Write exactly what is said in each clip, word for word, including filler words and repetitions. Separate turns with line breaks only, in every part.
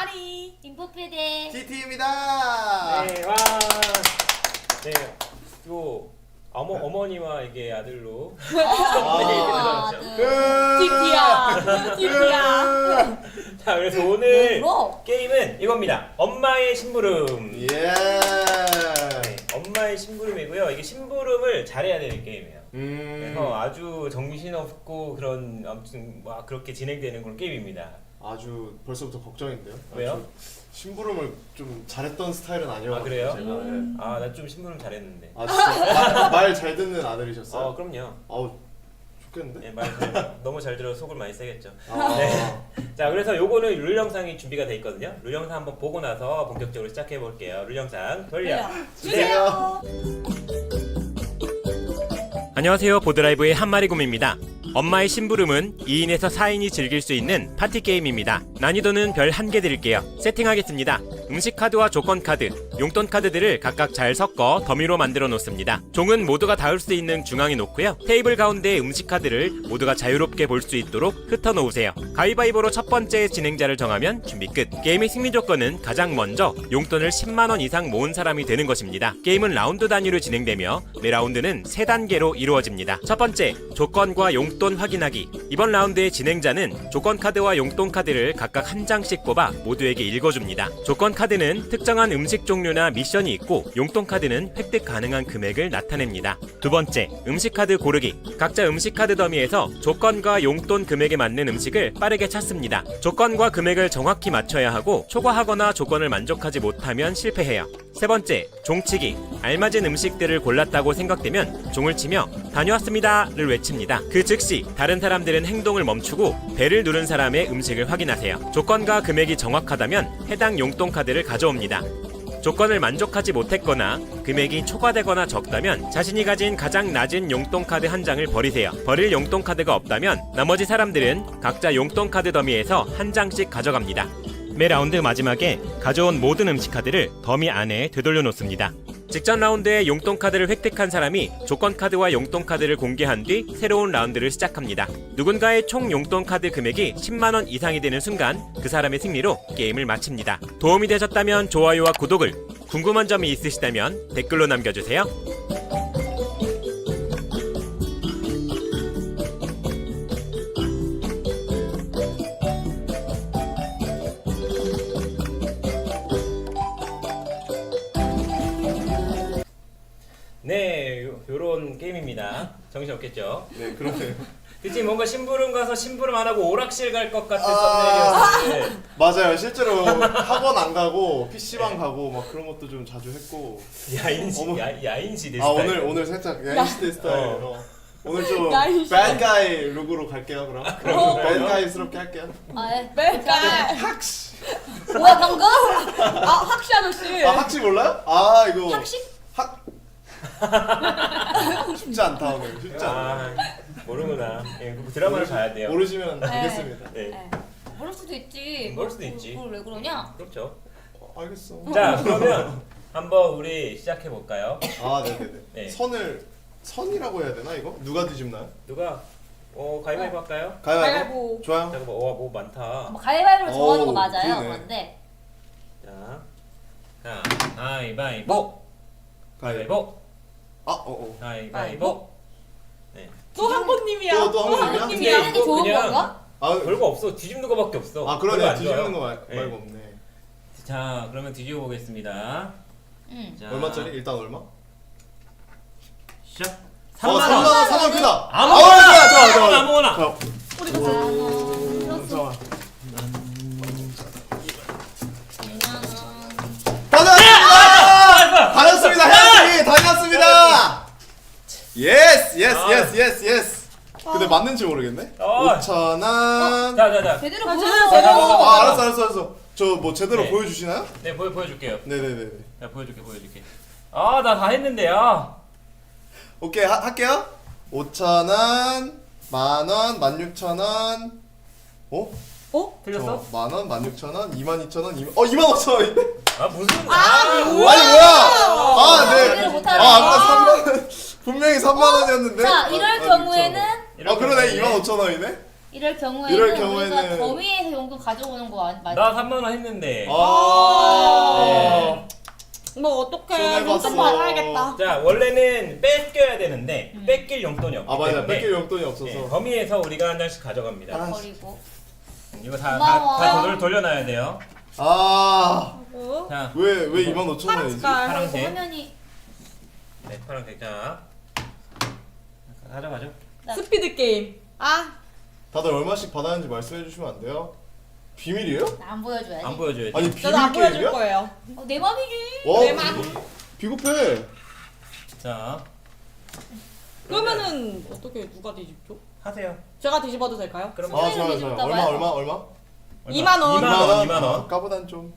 아리
인포피디
티티입니다.
네, 와. 네, 요 어머 어머니와 이게 아들로.
아,
티티야 티티야
자, 그래서 오늘
뭐로?
게임은 이겁니다. 엄마의 심부름.
예.
네, 엄마의 심부름이고요. 이게 심부름을 잘해야 되는 게임이에요.
음.
그래서 아주 정신없고 그런 아무튼 막 그렇게 진행되는 그런 게임입니다.
아주 벌써부터 걱정인데요.
왜요?
아주 심부름을 좀 잘했던 스타일은 아니어서.
아, 그래요?
제가. 음.
아, 나 좀 심부름 잘했는데.
아 진짜 말 잘 듣는 아들이셨어요?
어, 그럼요.
아우 좋겠는데?
네, 말 잘- 너무 잘 들어서 속을 많이 세겠죠.
아.
네. 자, 그래서 요거는 룰 영상이 준비가 돼 있거든요. 룰 영상 한번 보고 나서 본격적으로 시작해 볼게요. 룰 영상 돌려.
주세요.
안녕하세요. 보드라이브의 한마리곰입니다. 엄마의 심부름은 이 인에서 사 인이 즐길 수 있는 파티 게임입니다. 난이도는 별 한 개 드릴게요. 세팅하겠습니다. 음식 카드와 조건 카드, 용돈 카드들을 각각 잘 섞어 더미로 만들어 놓습니다. 종은 모두가 닿을 수 있는 중앙에 놓고요. 테이블 가운데 음식 카드를 모두가 자유롭게 볼 수 있도록 흩어 놓으세요. 가위바위보로 첫 번째 진행자를 정하면 준비 끝. 게임의 승리 조건은 가장 먼저 용돈을 십만 원 이상 모은 사람이 되는 것입니다. 게임은 라운드 단위로 진행되며 매 라운드는 세 단계로 이루어집니다. 첫 번째, 조건과 용돈 확인하기. 이번 라운드의 진행자는 조건 카드와 용돈 카드를 각각 한 장씩 뽑아 모두에게 읽어줍니다. 조건 카드는 특정한 음식 종류나 미션이 있고 용돈 카드는 획득 가능한 금액을 나타냅니다. 두 번째, 음식 카드 고르기. 각자 음식 카드 더미에서 조건과 용돈 금액에 맞는 음식을 빠르게 찾습니다. 조건과 금액을 정확히 맞춰야 하고 초과하거나 조건을 만족하지 못하면 실패해요. 세 번째, 종치기. 알맞은 음식들을 골랐다고 생각되면 종을 치며 다녀왔습니다를 외칩니다. 그 즉시 다른 사람들은 행동을 멈추고 배를 누른 사람의 음식을 확인하세요. 조건과 금액이 정확하다면 해당 용돈 카드를 가져옵니다. 조건을 만족하지 못했거나 금액이 초과되거나 적다면 자신이 가진 가장 낮은 용돈 카드 한 장을 버리세요. 버릴 용돈 카드가 없다면 나머지 사람들은 각자 용돈 카드 더미에서 한 장씩 가져갑니다. 매 라운드 마지막에 가져온 모든 음식 카드를 더미 안에 되돌려 놓습니다. 직전 라운드에 용돈 카드를 획득한 사람이 조건 카드와 용돈 카드를 공개한 뒤 새로운 라운드를 시작합니다. 누군가의 총 용돈 카드 금액이 십만 원 이상이 되는 순간 그 사람의 승리로 게임을 마칩니다. 도움이 되셨다면 좋아요와 구독을, 궁금한 점이 있으시다면 댓글로 남겨주세요. 네, 요, 요런 게임입니다. 정신 없겠죠?
네 그러네요.
그치, 뭔가 심부름 가서 심부름 안 하고 오락실 갈 것 같은
아.
썸네일이었는데.
맞아요. 실제로 학원 안 가고 피시방 가고 막 그런 것도 좀 자주 했고.
야인시,
어머.
야, 야인시대
아
스타일.
오늘 오늘 살짝 야인시대 스타일로. 오늘 좀
야인시대.
bad guy 룩으로 갈게요 그럼.
그럼.
bad guy스럽게 할게요.
아, 예.
뺄까
학시.
뭐야 방금?
아 학시 아저씨
아 학시 몰라요? 아 이거
학식?
학 쉽지 않다 오늘 쉽지 않다.
아, 모르구나. 예, 그 드라마를 봐야 돼요.
모르시면 알겠습니다.
네,
네. 모를 수도 있지.
모를 수도 있지.
그걸 왜 그러냐?
그렇죠.
어, 알겠어.
자, 그러면 한번 우리 시작해 볼까요?
아 네네네.
네.
선을 선이라고 해야 되나 이거? 누가 뒤집나요?
누가 어 가위바위보 할까요?
가위바위보.
가위바위보.
좋아요.
잠깐만, 와, 뭐 많다.
뭐 가위바위보로 정하는 거
어우,
맞아요.
그러네.
그런데
자, 자, 가위바위보,
가위바위보.
가위바위보,
아 어어.
가위바위보. 네.
또 한번님이야
또- 또한 번님이야?
한번님이야
하는 게 좋은
그냥-
건가?
아
별거 없어. 뒤집는 거밖에 없어.
아
별거
그러네.
안 좋아요.
뒤집는 거 말,
네.
말고 없네.
자, 그러면 뒤집어 보겠습니다.
응.
자,
얼마짜리? 일단 얼마?
시작.
어
삼만
삼만
원.
원. 삼만 원 크다.
아무거나.
아, 좋아 좋아 좋아.
아무거나.
자,
어디 갔어?
오, 잠깐만.
아,
다녔습니다. 다녔습니다. 해야지. 다녔습니다. 예스 예스
아.
예스 예스 예스. 근데 맞는지 모르겠네.
어.
오천 원.
자, 자, 자.
제대로
아,
보여줘.
제대로
아 알았어 알았어 알았어. 저 뭐 제대로
네.
보여주시나요?
네, 보여 보여줄게요.
네네네.
자, 보여줄게, 보여줄게. 아, 나 다 했는데요.
오케이 하, 할게요. 오천 원, 만 원, 만 육천 원. 어?
어?
틀렸어?
만 원, 만 육천 원, 이만 이천 원, 이만 어 이만 오천 원인데?
아, 무슨? 아,
뭐야?
아니 뭐야? 아
제대로
네.
못하네.
아 아까 삼만 원 분명히 삼만 원이었는데.
자, 이럴
아,
경우에는
아 그러네 이만 오천 원이네.
이럴 경우에는,
이럴
우리가
경우에는-
더위에서 용돈 가져오는 거 맞- 맞죠?
나 삼만 원 했는데.
아.
네.
뭐 어떡해.
손해봤어.
용돈 받아야겠다.
자, 원래는 뺏겨야 되는데
음.
뺏길 용돈이 없기
아 맞아.
때문에
뺏길 용돈이 없어서.
네, 범위에서 우리가 한 장씩 가져갑니다.
아.
버리고.
이거 다, 다,
고마워.
다 돌, 돌려놔야 돼요.
아.
어?
자,
왜 왜 이만 오천
파란
원이지?
색깔.
파란색.
화면이
네, 파란색. 자, 가져가죠.
스피드 게임. 아,
다들 얼마씩 받았는지 말씀해 주시면 안 돼요? 비밀이에요?
나 안 보여줘야지.
안 보여줘야지.
아니 비밀
저도 안 보여줄
게임이야?
거예요.
어, 내 맘이지.
와,
내 맘.
비겁해.
자,
그러면은 어떻게 누가 뒤집죠?
하세요.
제가 뒤집어도 될까요?
그럼
아
손해를
좋아요 좋아요.
뒤집을까
얼마
봐요.
얼마 얼마?
이만 원.
이만 원, 이만 원.
까보단 좀.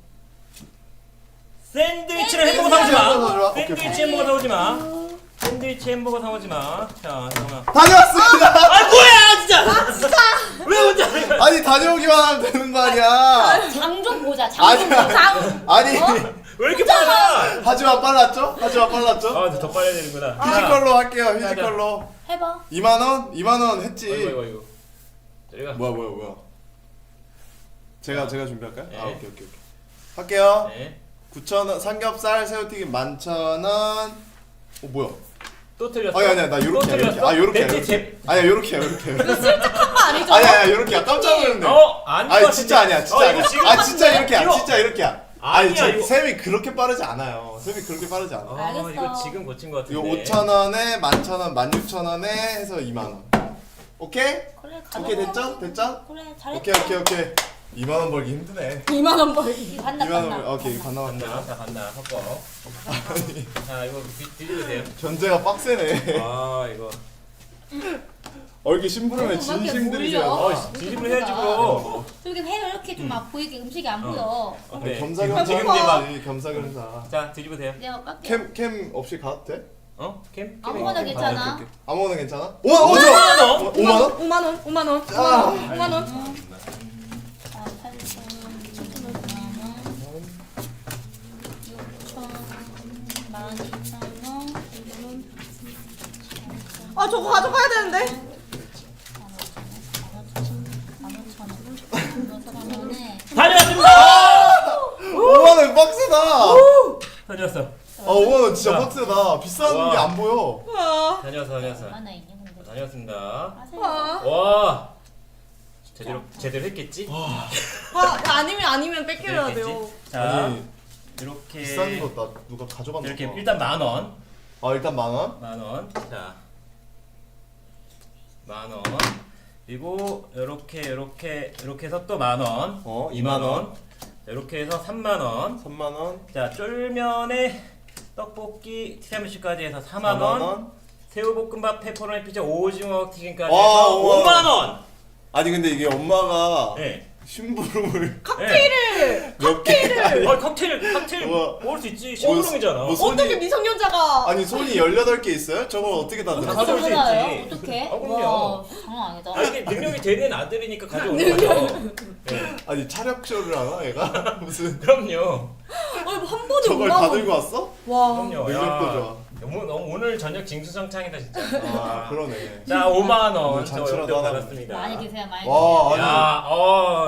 샌드위치를 햄버거 사오지 마.
샌드위치. 오케이,
샌드위치
오케이.
햄버거 사오지 마. 샌드위치 햄버거 사오지 마. 자, 잠깐만.
다녀왔습니다.
아 뭐야 진짜. 왜 혼자?
아니 다녀오기만 하면 되는 거 아니야.
장 좀 보자. 장 좀
아니야.
보자.
아니
왜 이렇게 빨라?
하지만 빨랐죠? 하지만 빨랐죠?
아, 더 빨라야 되는구나.
피지컬로 할게요. 피지컬로.
해봐.
이만 원? 이만 원 했지.
이거 이거 이거. 저리가.
뭐야 뭐야 뭐야. 제가 제가 준비할까요?
네.
아 오케이 오케이 오케이. 할게요.
네.
구천 원 삼겹살 새우튀김 만천 원. 어 뭐야?
또 틀렸어.
아니 아니야 나
또
요렇게
틀렸어?
요렇게 아 요렇게
넷째
요렇게.
제.
아니야 요렇게 요렇게.
실적한 거 아니죠?
아니야 아니야 요렇게야 깜짝 놀랐네.
어, 아닌 것
아니
같은데.
진짜 아니야 진짜
어,
아니야.
이거 지금
아 진짜 이렇게야
이거-
진짜 이렇게야. 아니
아니야,
저
이거.
쌤이 그렇게 빠르지 않아요. 쌤이 그렇게 빠르지 않아.
아,
알겠어.
이거 지금 고친 것 같은데.
이거 오천 원에 만천 원, 만육천 원에 해서 이만 원. 오케이?
그래 가자.
오케이 됐죠? 됐죠?
그래 잘했다.
오케이 오케이 오케이. 이만 원 벌기 힘드네.
이만 원 벌기.
이거 간다
이만 원
간다.
벌. 오케이 반나
간다.
반나.
자, 간다. 섞어. 자, 이거 뒤- 뒤집으세요.
견제가 빡세네.
아, 이거.
어 이렇게 심부름에
어, 막 이렇게
진심들이세요.
몰려.
어, 뒤집으면 해야지 뭐.
저기 해 이렇게 좀 막 보이게 음식이 안 보여.
어,
네.
네.
겸사겸사.
지금 이제 막.
겸사겸사.
자, 뒤집으세요.
내가 깎게.
캠 캠 없이 가도 돼?
어? 캠?
아무거나
캠?
괜찮아.
오케이, 오케이. 아무거나 괜찮아? 오, 오, 저.
오만 원?
오만 원?
오만 원, 오만 원,
아.
오만 원.
아, 팔천, 칠천 원, 육천, 만 이천 원, 이거는
아 저거 가져가야 되는데.
다녀왔습니다!
오만 원 빡세다.
다녀왔어.
아, 오만 원 진짜
자.
빡세다. 비싼
와.
게 안 보여.
아,
다녀왔어, 다녀왔어.
하나 있냐 근데.
다녀왔습니다.
아,
와! 제대로, 제대로 했겠지?
아, 아니면 아니면 뺏겨야 돼요.
했겠지? 자,
아니
이렇게.
비싼 거 나 누가 가져갔나
이렇게
봐.
일단 만 원.
아 일단 만 원.
만 원. 자. 만 원. 그리고 요렇게 요렇게 요렇게 해서 또 만 원.
어,
이만 원. 이렇게 해서 삼만 원.
삼만 원.
자, 쫄면에 떡볶이 티라미수까지 해서 사만 원. 새우볶음밥 페퍼로니 피자 오징어 튀김까지
와,
해서
우와.
오만 원.
아니 근데 이게 엄마가
네.
심부름을
칵테일을
몇 개. 아니,
어, 칵테일 칵테일
우와.
먹을 수 있지. 시부름이잖아.
뭐 손이
어떻게 미성년자가?
아니 손이 열여덟 개 있어요? 저걸 어떻게 다 들어?
가져올 수 있지.
어떡해?
아, 그럼요.
와, 장난 아니다.
아, 이게 능력이 되는 아들이니까 가져오는 거죠. 네.
아니 차력쇼를 하나 얘가? 무슨
어,
그럼요.
한 번에
저걸
오만
다
원.
들고 왔어?
와.
그럼요.
능력도
야.
좋아.
너무, 너무 오늘 저녁 징수성창이다 진짜.
아 그러네.
자, 오만 원.
오늘
저
잔치라도
용돈
하나
받았습니다.
많이 드세요 많이
와,
드세요.
야, 어.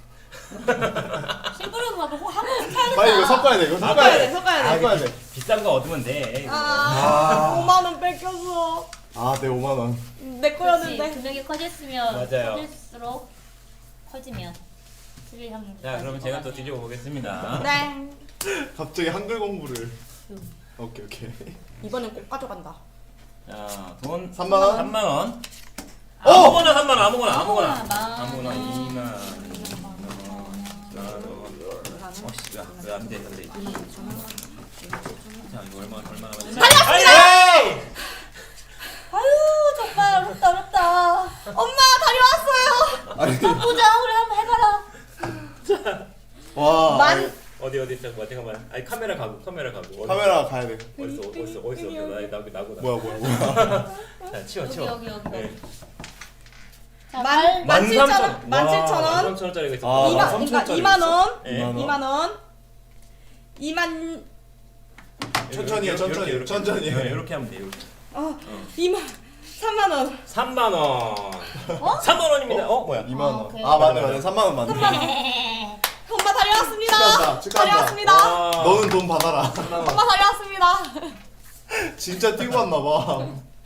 심부름 하고 한번 사야
빨리 이거 섞어야 돼. 이거 섞어야
섞어야
돼.
돼, 섞어야 돼.
섞어야 돼.
비싼 거 얻으면 돼.
아,
아.
오만 원 뺏겼어.
아, 네 오만 원.
내
그렇지.
거였는데.
금액이 커질수면
맞아요.
커질수록 커지면 드릴 확률이
자, 그러면
높아질
제가
것
또
같아요.
뒤집어 보겠습니다.
네.
갑자기 한글 공부를.
음.
오케이 오케이.
이번엔 꼭 가져간다.
자, 돈
삼만 원?
삼만 원.
어!
아무거나 삼만 원, 아무거나, 아무거나.
아무거나,
아무거나
만 원.
이만 원. 만 원. 어씨, 야, 왜 안 돼, 안 돼. 자, 이거 얼마, 얼마나 받지?
다녀왔습니다!
아유 정말 어렵다 어렵다.
엄마 다녀왔어요.
아니
보자 우리 한번 해봐라.
와.
만
어디 어디 있어? 뭐 잠깐만. 아니 카메라 가고, 카메라 가고. 어디
카메라 가야 돼.
어디 있어? 어디 있어? 어디 있어? 나 나고 나고 나.
뭐야 뭐야 뭐야.
자, 치워,
여기
치워.
여기 여기.
네.
자,
만-
말
만 칠천 원, 만 칠천 원.
만 칠천 원짜리가 있어.
아,
이만
만
그러니까
삼천짜리
이만 원.
네.
이만 원.
이만 원. 이만
천천히 해, 천천히, 천천히 해.
이렇게 하면 돼. 이렇게.
어 이만 삼만 원.
삼만 원.
어?
삼만 원입니다. 어, 뭐야?
이만 원.
아, 오케이.
아 맞네 맞네 삼만 원 맞네.
엄마 다녀왔습니다.
축하한다, 축하한다.
다녀왔습니다.
와.
너는 돈 받아라.
삼만 원.
엄마 다녀왔습니다.
진짜 뛰고 왔나 봐.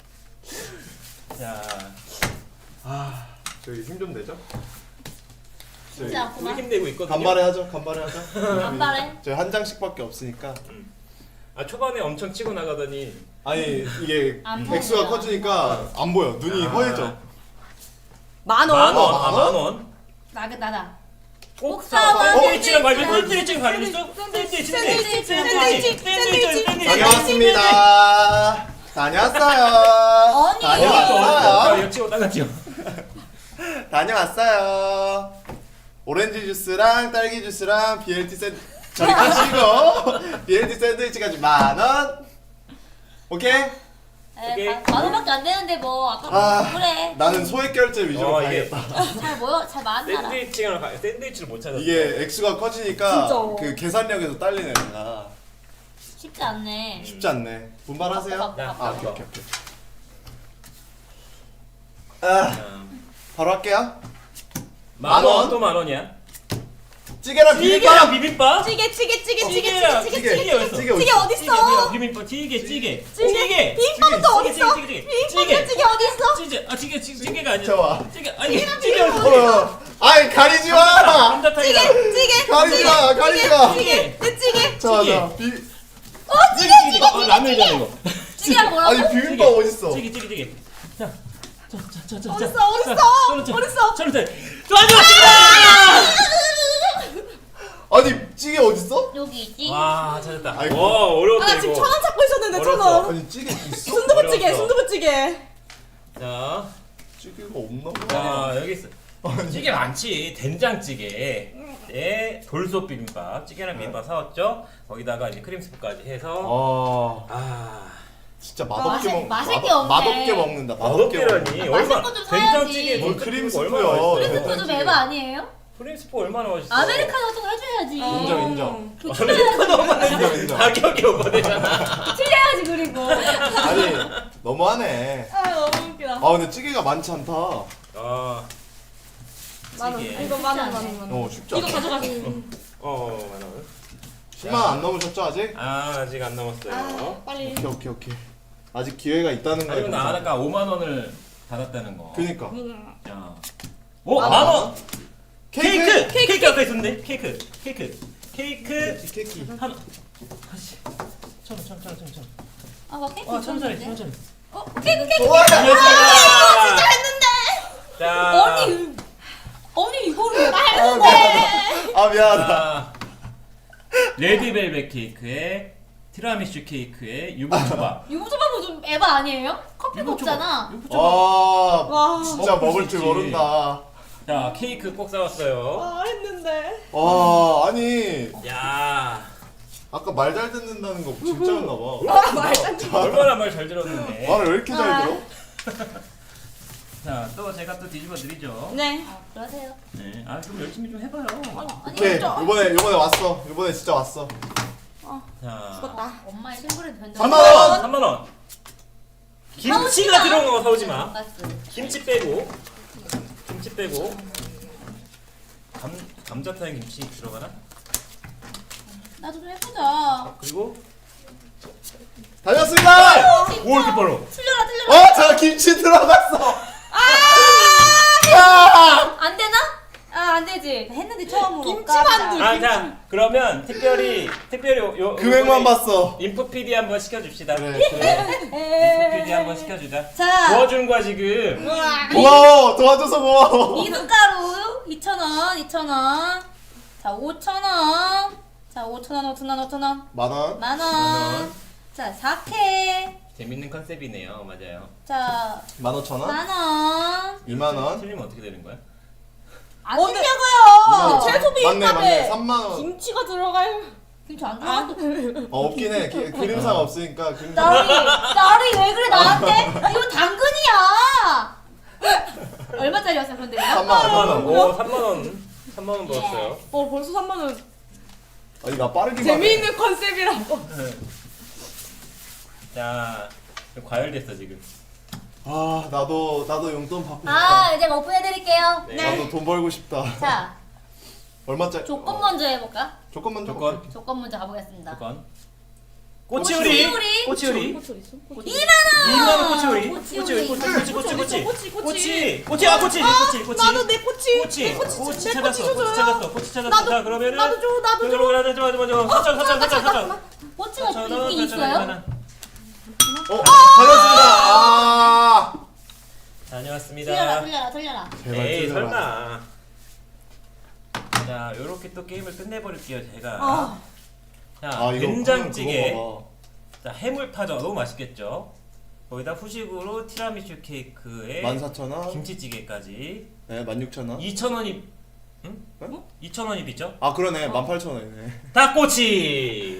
자,
아 저희 힘 좀 내죠?
진짜
우리
아프다.
힘내고 있거든요.
간발에 하죠 간발에 하죠.
간발해.
저희 한 장씩밖에 없으니까.
아, 초반에 엄청 치고 나가더니
아니 이게
안
액수가
보여.
커지니까 안 보여. 눈이
아.
허해져.
만
만
원.
원.
만
아,
원?
만 원.
나가 나다.
꼭
사와.
사. 샌드위치랑 말고
샌드위치.
샌드위치랑 갈렸어? 샌드위치, 샌드위치,
샌드위치,
샌드위치, 샌드위치, 샌드위치.
다녀왔습니다. 다녀왔어요.
아니.
다녀왔어요.
이거 치고 따가지요.
다녀왔어요. 오렌지 주스랑 딸기 주스랑 비엘티 샌드 저리 가시고 비엘티 샌드위치까지 만 원. 오케이?
오케이.
에, 만 원밖에 안 되는데 뭐 아까
아,
그래.
나는 소액 결제 위주로
어, 이게-
가야겠다.
잘 모여 잘 만나라.
샌드위치랑 가- 샌드위치를 못 찾았어.
이게 액수가 커지니까
진짜.
그 계산력에서 딸리네 내가.
쉽지 않네.
쉽지 않네. 분발하세요.
야,
아 오케이 오케이 오케이. 아 바로 할게요. 만 원?
만원 또 만 원이야.
찌개랑
찌개랑
비빔밥.
비빔밥?
찌개 찌개 찌개 찌개
찌개야,
찌개
찌개.
찌개
어딨어?
찌개
찌개
어디?
어디 있어?
비빔밥, 찌개, 찌개,
찌개.
찌개,
비빔밥도 어디
찌개,
있어?
찌개, 찌개,
비빔밥도
찌개.
찌개 어디 있어?
찌개, 아 찌개, 찌개, 찌개가 아니야.
좋아.
찌개, 아니 찌개 어디 있어?
어. 아이 가리지 마.
감자탕이다.
찌개 찌개
가리지 마. 가리지 마.
찌개 내 찌개.
자,
찌개.
자, 비
어 찌개 찌개.
어, 라면이잖아 이거.
찌개가 뭐라고?
아니 비빔밥 어디 있어?
찌개, 찌개, 찌개. 자, 자, 자, 자, 자.
어딨어,
자,
어딨어?
자, 자,
어딨어?
자, 자, 자. 도와주었습니다.
아니 찌개 어디 있어?
여기 있지.
와, 찾았다.
아이고.
와, 어려웠다
아
이거.
지금 천 원 찾고 있었는데 천
어렵다.
원.
아니 찌개 있어?
순두부찌개
어려웠어.
순두부찌개.
자,
찌개가 없나 봐.
자 여기 있어. 찌개 많지. 된장찌개. 네, 돌솥 비빔밥. 찌개랑 비빔밥 사왔죠. 거기다가 이제 크림 스프까지 해서.
아
아,
진짜 맛없게
맛있-
먹
맛있게
맛없-
없네.
맛없게 먹는다. 맛없게
맛없게라니.
먹는다.
맛있는
얼마?
거좀 사야지.
된장찌개
뭘
돌솥
크림
비빔밥
스프요.
얼마나
크림
맛있어?
그래도
된장찌개.
매바 아니에요?
크림 스프 얼마나 맛있어?
아메리카노 같은 거 해줘야지.
인정 인정.
아메리카노만
인정 인정.
가격이 오버되잖아.
틀려야지 그리고.
아니 너무하네.
아 너무 웃기다.
아 근데 찌개가 많지 않다. 어
아,
만 원.
찌개.
이거 만 원, 만 원, 만 원.
쉽지
이거
않다.
가져가.
어, 많아.
십만 원 안 넘으셨죠 아직?
아, 아직 안 남았어요.
아 빨리.
오케이 오케이 오케이. 아직 기회가 있다는 거야.
아니면 나 아까 오만 원을 받았다는 거.
그니까.
자, 오,
만
만 원.
케이크.
케이크, 케이크 아까 있었는데. 케이크, 케이크, 케이크.
케이크.
한, 아씨, 천 원, 천 원, 천 원, 천 원.
아, 뭐 케이크
와, 천 원짜리, 천
있었는데.
원짜리.
어, 케이크 케이크.
와.
안녕하십니까.
했는데.
자,
언니, 언니 이거를 왜
아
빨리
미안하다. 아 미안하다.
자, 레드벨벳 케이크에 티라미슈 케이크에 유부초밥.
유부초밥은 좀 에바 아니에요? 커피 먹잖아.
유부초밥.
와
와.
진짜
먹을
먹을
수
줄
있지.
모른다.
자, 케이크 꼭 사왔어요.
아 했는데.
와 아니
야,
아까 말 잘 듣는다는 거 진짜였나 봐.
아 말단.
얼마나 말 잘 들었는데.
말을 왜 이렇게 잘 들어?
자, 또 제가 또 뒤집어 드리죠.
네.
아, 그러세요.
네, 아, 좀 열심히 좀 해봐요.
아니,
오케이
진짜.
이번에 이번에 왔어. 이번에 진짜 왔어.
자,
죽었다.
엄마의 신부름 변장.
삼만 원!
삼만 원. 김치가 들어간 거 사오지 마. 김치 빼고, 김치 빼고. 감 감자탕 김치 들어가나?
나도 좀 해보자.
그리고
다녔습니다.
오, 이렇게 빨라.
틀려라 틀려라.
어, 저 김치 들어갔어. 아!
안 되나? 아, 안 되지. 했는데 처음으로.
김치만두.
아, 자, 그러면 특별히 특별히 요, 요
금액만
요번에
봤어.
인프 피디 한번 시켜줍시다.
그래.
인프 피디 한번 시켜주자.
자,
도와준 거야 지금.
우와.
고마워. 도와줘서 고마워.
미숫가루 이천 원, 이천 원. 자, 오천 원. 자, 오천 원, 오천 원, 오천 원.
만 원.
만
만
원.
원.
자, 사케.
재밌는 컨셉이네요, 맞아요.
자,
만 오천 원.
만 원.
이만 원.
틀리면 어떻게 되는 거야?
안
언제-
되냐고요.
채소비
맞네 맞네.
값에
삼만 원.
김치가 들어갈.
김치 안
아.
들어가도.
어 없긴 해. 기- 그림상 없으니까 그림상.
나리, 나리 왜 그래 나한테? 이거 당근이야. 얼마짜리였어 근데 이거?
삼만 원.
삼만 원.
삼만 원.
오, 삼만 원. 삼만 원 벌었어요.
어 벌써 삼만 원.
아니 나 빠르기만. 해.
재미있는 컨셉이라고.
자, 과열됐어 지금.
아 나도 나도 용돈 받고 싶다.
아 이제 오픈해드릴게요.
네.
나도 돈 벌고 싶다.
자
얼마짜리?
조건
어,
먼저 해볼까?
조건 먼저.
조건.
오케이.
조건 먼저 가보겠습니다.
조건. 꼬치우리.
꼬치우리.
꼬치우리.
꽃을 있어? 꽃.
이만 원.
이만 원 꼬치우리.
꼬치우리.
꼬치우리. 꼬치 꼬치 꼬치 꼬치.
꼬치, 꼬치.
꼬치. 꼬치 아 꼬치. 꼬치 꼬치.
나도 내 꼬치.
꼬치.
내 꼬치.
꼬치
내
찾았어.
꼬치
꼬치
줘줘요.
찾았어. 꼬치 찾았어.
나도-
자 그러면은
나도 줘, 나도 줘.
그러면 하자 하자 하자. 사천 사천 사천 사천.
꼬치가
사천
있긴 있어요?
어 다녔습니다. 아
틀려라
다녀왔습니다.
틀려라 틀려라.
제발
에이
틀려라.
설마. 자 요렇게 또 게임을 끝내버릴게요 제가.
아.
자
아 이거
된장찌개.
그거 봐봐.
자 해물파전 너무 맛있겠죠. 거기다 후식으로 티라미슈 케이크에
만 사천 원.
김치찌개까지
네, 만 육천 원.
이천 원이 응?
네?
이천 원이 비죠?
아 그러네, 만 팔천 원이네.
닭꼬치.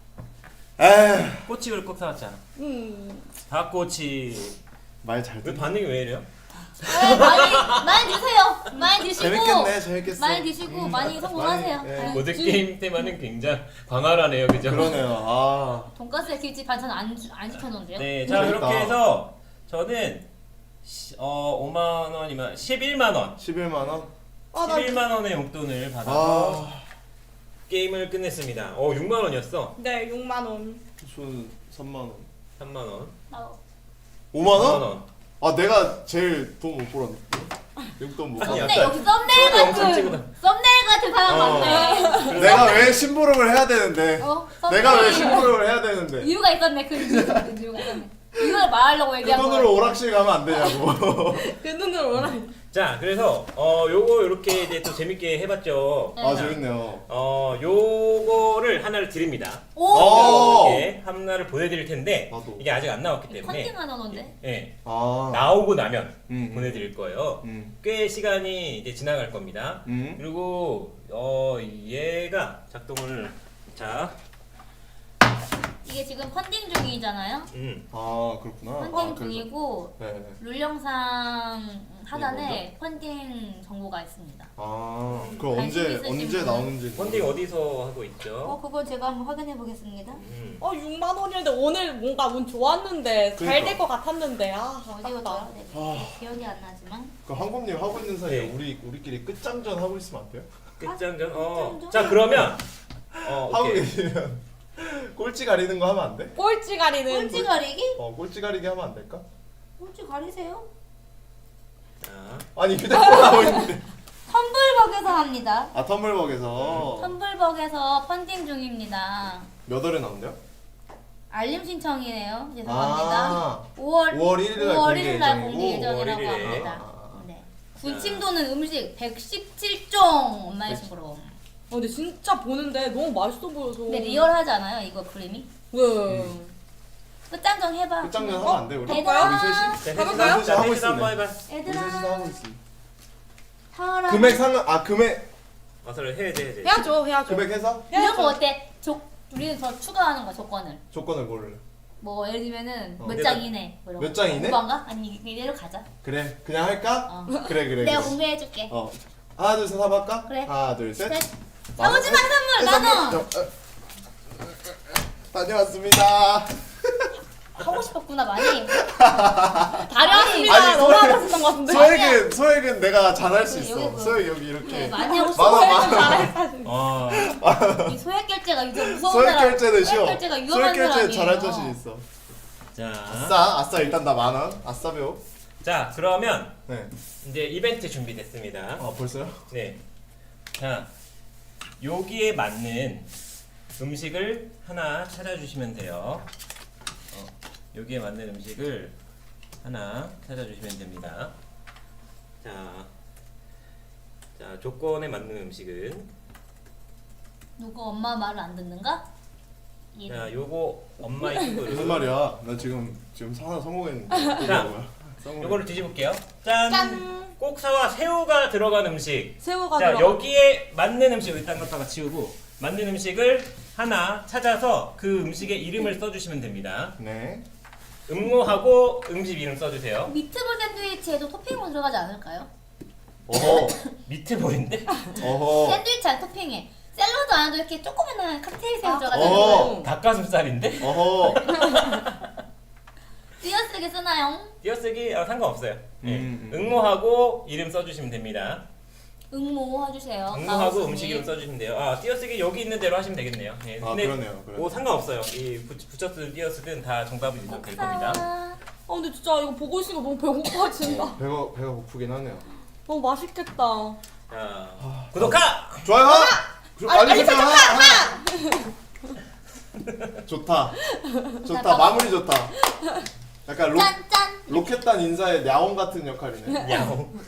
에이,
꼬치를 꼭 사왔잖아.
음.
닭꼬치.
말 잘
왜
듣네.
반응이 왜 이래요?
네, 많이 많이 드세요. 많이 드시고.
재밌겠네, 재밌겠어.
많이 드시고
음,
많이 성공하세요.
많이, 예.
아유,
모든
지-
게임 때만은 굉장히 광활하네요, 그죠?
그러네요. 아,
돈가스에 김치 반찬 안, 주- 안 시켜놓은데요?
네, 자
재밌다.
그렇게 해서 저는 시- 어 오만 원이면 십일만 원,
십일만 원.
아, 나
십일만 원의 용돈을 받아서
아,
게임을 끝냈습니다. 어 육만 원이었어.
네, 육만 원.
저는 삼만 원.
삼만 원.
나
오만 원?
오만 원.
아, 내가 제일 돈 못 벌었네. 용돈 못
아니,
벌었네.
근데
약간
여기 썸네일
영상
같은
찍어놔.
썸네일 같은 사람
어.
많네.
내가 왜 심부름을 해야 되는데?
어?
내가 왜
썸네일.
심부름을 해야 되는데?
이유가 있었네. 그 이유- 그 이유가 있었네. 이걸 말하려고
그
얘기한
돈으로
거야.
오락실 가면 안 되냐고.
그 눈으로 오라.
자 그래서 어 요거 이렇게 이제 또 재밌게 해봤죠.
네.
아, 재밌네요.
어 요거를 하나를 드립니다.
오.
어.
이렇게 하나를 보내드릴 텐데
나도.
이게 아직 안 나왔기 때문에
컨팅하는 건데.
예
아,
나오고 나면
음,
보내드릴 거예요.
음,
꽤 시간이 이제 지나갈 겁니다.
음.
그리고 어 얘가 작동을 자,
이게 지금 펀딩 중이잖아요.
음,
아, 그렇구나.
펀딩
아, 그래서-
중이고
네, 네.
룰 영상 하단에 펀딩 정보가 있습니다.
아, 그럼
관심
언제
있으신
언제
분.
나오는지.
펀딩 어디서 하고
어,
있죠?
그건 제가 한번 확인해 보겠습니다.
음.
어, 육만 원이었는데 오늘 뭔가 운 좋았는데 잘
그러니까.
될 것 같았는데. 아,
어디가
아깝다.
나와야 돼? 기억이 안 나지만.
그 황금님 하고 있는 사이에
네.
우리 우리끼리 끝장전 하고 있으면 안 돼요?
끝장전. 어.
끝장전?
자 그러면 어
하고
오케이.
계시면 꼴찌 가리는 거 하면 안 돼?
꼴찌 가리는.
꼴찌 가리기?
어, 꼴찌 가리기 하면 안 될까?
꼴찌 가리세요?
자,
아니 휴대폰 하고 있는데.
텀블벅에서 합니다.
아, 텀블벅에서
텀블벅에서 펀딩 중입니다.
몇 월에 나온대요?
알림 신청이네요. 죄송합니다.
아,
오월
오월 일 일 날
오월
공개
일 일 날
예정이고.
공개 예정이라고
오월 일 일에.
합니다.
아.
네. 군침도는 음식 백십칠 종 엄마의 신부로.
어, 근데 진짜 보는데 너무 맛있어 보여서.
근데 리얼하지 않아요? 이거 그림이?
네.
끝장정 해봐.
끝장전 하면 안 돼, 우리?
얘들아.
우리 셋이?
자
가볼까요?
셋이서 자
하고
셋이서 한번
있습니다.
해봐.
우리
얘들아.
셋이서 하고 있어.
타라.
금액 상관 아, 금액
어서 해야 돼, 해야 돼.
해야죠, 해야죠.
금액 해서
이런 거 어때? 조, 우리는 더 추가하는 거야 조건을.
조건을 고를래.
뭐 예를 들면은
어.
몇 장 이내. 뭐 이런
몇
거.
장 이내?
오반가? 아니 이대로 가자.
그래. 그냥 할까?
어.
그래, 그래.
내가
그래.
공개해줄게.
어. 하나, 둘, 셋 한번 할까?
그래.
하나, 둘, 셋.
셋. 나머지 만 선물 나눠.
다녀왔습니다.
하고 싶었구나 많이.
다녀왔습니다.
아니,
너무
소액-
하고 싶은 것 같은데.
소액은 소액은 내가 잘할 수
여기
있어.
보여.
소액 여기
네,
이렇게.
많이 하고
많아,
싶어.
많아.
어.
이 소액 결제가 이제 무서운
소액
사람.
결제는 쉬워.
소액 결제가
소액
위험한
결제
사람이에요.
잘할 자신 있어.
자,
아싸, 아싸 일단 나 만 원. 아싸 배우.
자 그러면
네.
이제 이벤트 준비됐습니다.
아 벌써요?
네. 자, 여기에 맞는 음식을 하나 찾아주시면 돼요. 어, 여기에 맞는 음식을 하나 찾아주시면 됩니다. 자, 자 조건에 맞는 음식은
누구 엄마 말을 안 듣는가? 이
자, 요거 엄마의 친구를
무슨 말이야? 나 지금 지금 하나 성공했는데. 이게
자,
뭐야? 성공.
요거를 뒤집을게요. 짠!
짠.
꼭사와 새우가 들어간 음식.
새우가
자,
들어가.
여기에 맞는 음식 일단 갖다가 치우고 맞는 음식을 하나 찾아서 그 음식의 이름을 써주시면 됩니다.
네.
음모하고 음식 이름 써주세요.
미트볼 샌드위치에도 토핑으로 들어가지 않을까요?
어허.
미트볼인데?
어허.
샌드위치 안 토핑에 샐러드 안에도 이렇게 조그만한 칵테일 새우
아,
들어가잖아요.
어.
닭가슴살인데?
어허.
띄어쓰기 쓰나 있나요?
띄어쓰기 아, 상관없어요. 예.
음, 음.
응모하고 이름 써주시면 됩니다.
응모 해주세요.
응모하고
가오스님.
음식 이름 써주시면 돼요. 아 띄어쓰기 여기 있는 대로 하시면 되겠네요. 예.
아, 그러네요, 그러네요.
뭐 상관없어요. 이 붙- 붙였든 띄어쓰든 다 정답이 될 겁니다.
옥사.
아 근데 진짜 이거 보고 있으니까 너무 배고파진다.
배가 배가 고프긴 하네요.
너무 맛있겠다.
자 구독하.
좋아요. 조-
알림
알림 설정.
설정
좋다. 좋다.
잠깐만.
마무리 좋다. 약간 로,
짠짠.
로켓단 인사의 냐옹 같은 역할이네.
야옹.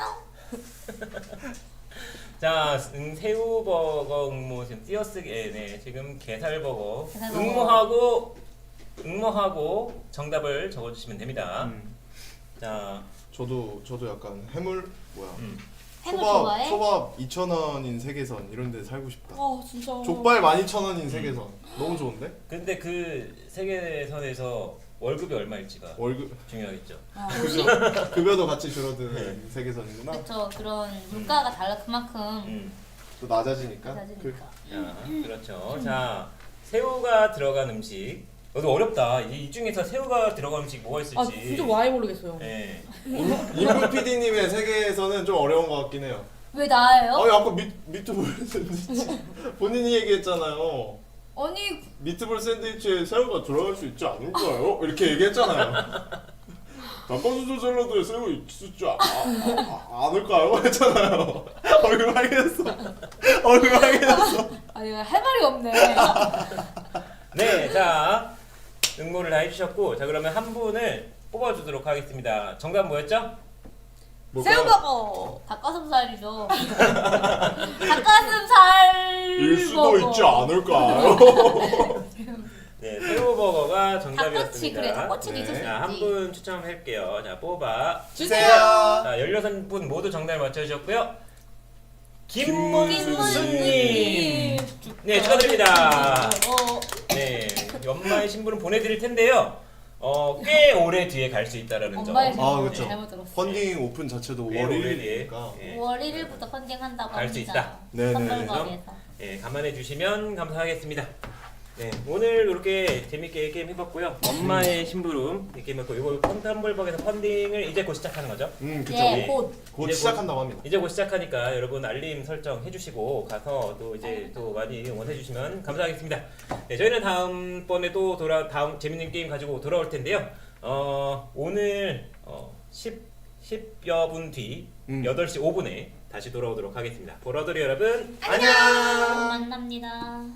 자, 음, 새우버거 응모 지금 띄어쓰기 예, 네, 지금 게살버거
게살버거.
응모하고 응모하고 정답을 적어주시면 됩니다.
음,
자,
저도 저도 약간 해물 뭐야?
음.
해물
초밥
좋아해?
초밥 이천 원인 세계선 이런 데 살고 싶다.
아 진짜.
족발 만 이천 원인 세계선 너무 좋은데?
근데 그 세계선에서 월급이 얼마일지가
월급
중요하겠죠.
어,
급여, 급여도 같이 줄어드는 세계선이구나.
그쵸. 그런 물가가 달라 그만큼
음.
또 낮아지니까.
낮아지니까.
자, 그렇죠. 자, 새우가 들어간 음식. 너도 어렵다. 이, 이 중에서 새우가 들어간 음식 뭐가 있을지.
아 진짜 와이 모르겠어요.
예.
임금 피디님의 세계에서는 좀 어려운 것 같긴 해요.
왜 나예요?
아니 아까 미, 미트볼 샌드위치 본인이 얘기했잖아요.
아니
미트볼 샌드위치에 새우가 들어갈 수 있지 않을까요? 이렇게 얘기했잖아요. 닭가슴살 샐러드에 새우 있지 아, 아, 아, 않을까요? 했잖아요. 얼굴 빨개졌어. 얼굴 빨개졌어.
아니 할 말이 없네.
네, 자 응모를 다 해주셨고, 자 그러면 한 분을 뽑아주도록 하겠습니다. 정답 뭐였죠?
뭘까요?
새우버거.
닭가슴살이죠. 닭가슴살.
일 수도
버거.
있지 않을까요?
네, 새우버거가
닭꼬치
정답이었습니다.
그래 닭꼬치도
네.
있었지.
자, 한 분 추첨할게요. 자, 뽑아.
주세요.
자, 열여섯 분 모두 정답을 맞춰주셨고요.
김문수님.
김문수님. 네, 축하드립니다.
어,
네, 연말 신부는 보내드릴 텐데요. 어, 꽤 오래 뒤에 갈 수 있다라는 점.
엄마의
아,
아,
그쵸.
잘못 들었어.
펀딩 오픈 자체도
꽤 오래 뒤에.
월일이니까.
예.
오월 일 일부터 펀딩한다고
갈 수
합니다.
있다.
네네.
선물거리에서.
예, 감안해 주시면 감사하겠습니다. 네, 오늘 이렇게 재밌게 게임 해봤고요. 엄마의 심부름 이 게임 했고, 이거 펀텀블벅에서 펀딩을 이제 곧 시작하는 거죠.
음, 그쵸.
예, 곧.
곧
이제
시작한다고 합니다.
이제 곧 시작하니까 여러분 알림 설정 해주시고 가서 또 이제 또 많이 응원해 주시면 감사하겠습니다. 네, 저희는 다음번에 또 돌아 다음 재밌는 게임 가지고 돌아올 텐데요. 어, 오늘 어, 십, 십여 분 뒤
음.
여덟 시 오 분에 다시 돌아오도록 하겠습니다. 보러들이 여러분
안녕.
안녕.
만납니다.